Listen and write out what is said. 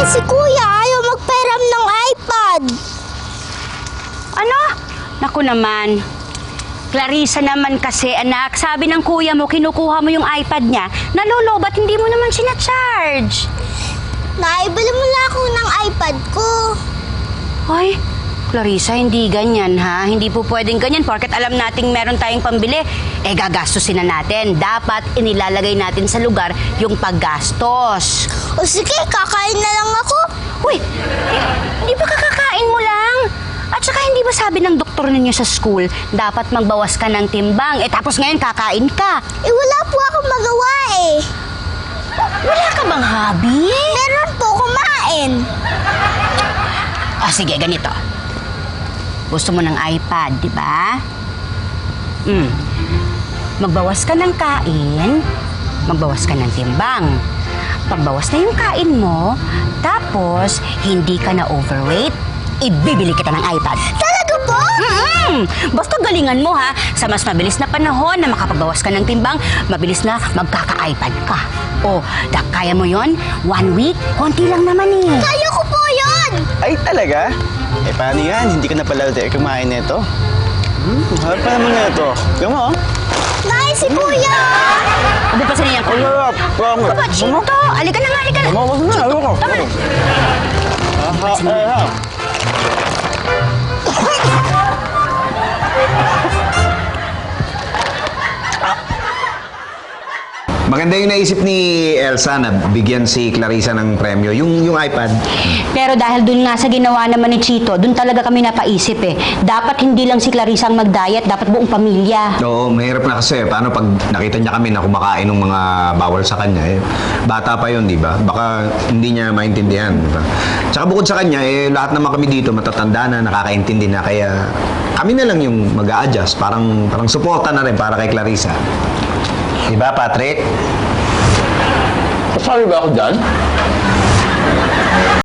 Si Kuya ayaw magpairam ng iPad. Ano? Naku naman. Clarissa naman kasi, anak. Sabi ng kuya mo, kinukuha mo yung iPad niya. Nalolobat, hindi mo naman sinacharge. Naibili mo lang ako ng iPad ko. Ay, Clarissa, hindi ganyan ha. Hindi po pwedeng ganyan porket alam nating meron tayong pambili. Eh, gagastusin na natin. Dapat inilalagay natin sa lugar yung paggastos. O sige, kakain na lang ako. Uy, hindi ba kakakain mo lang? At saka hindi ba sabi ng doktor ninyo sa school, dapat magbawas ka ng timbang. Eh tapos ngayon kakain ka. Eh wala po akong magawa eh. Wala ka bang hobby? Meron po kumain. Sige, ganito. Gusto mo ng iPad, di ba? Magbawas ka ng kain, magbawas ka ng timbang. Pagbawas na yung kain mo, tapos hindi ka na overweight, ibibili kita ng iPad. Talaga po? Basta galingan mo ha, sa mas mabilis na panahon na makapagbawas ka ng timbang, mabilis na magkaka-iPad ka. Kaya mo yon? 1 week? Konti lang naman eh. Kaya ko po yun. Ay, talaga? Eh, paano yan? Hindi ka na pala kumain nito. Harap pa naman nito. Tignan mo, oh. Si Kuya. Ano pa sa niya? Ang sarap. Papa, Chito! Alika na nga, alika na! Wag na, ayoko. Tama na! Maganda yung naisip ni Elsa na bigyan si Clarissa ng premyo, yung iPad. Pero dahil dun nga sa ginawa naman ni Chito, dun talaga kami napaisip eh. Dapat hindi lang si Clarissa ang mag-diet, dapat buong pamilya. Oo, mahirap na kasi. Paano pag nakita niya kami na kumakain ng mga bawal sa kanya? Eh, bata pa yun, di ba? Baka hindi niya maintindihan, di ba? Tsaka bukod sa kanya, lahat naman kami dito matatanda na, nakakaintindi na. Kaya kami na lang yung mag-a-adjust. Parang suporta na rin para kay Clarissa. Di ba, Patrick? Kasali ba ako dyan?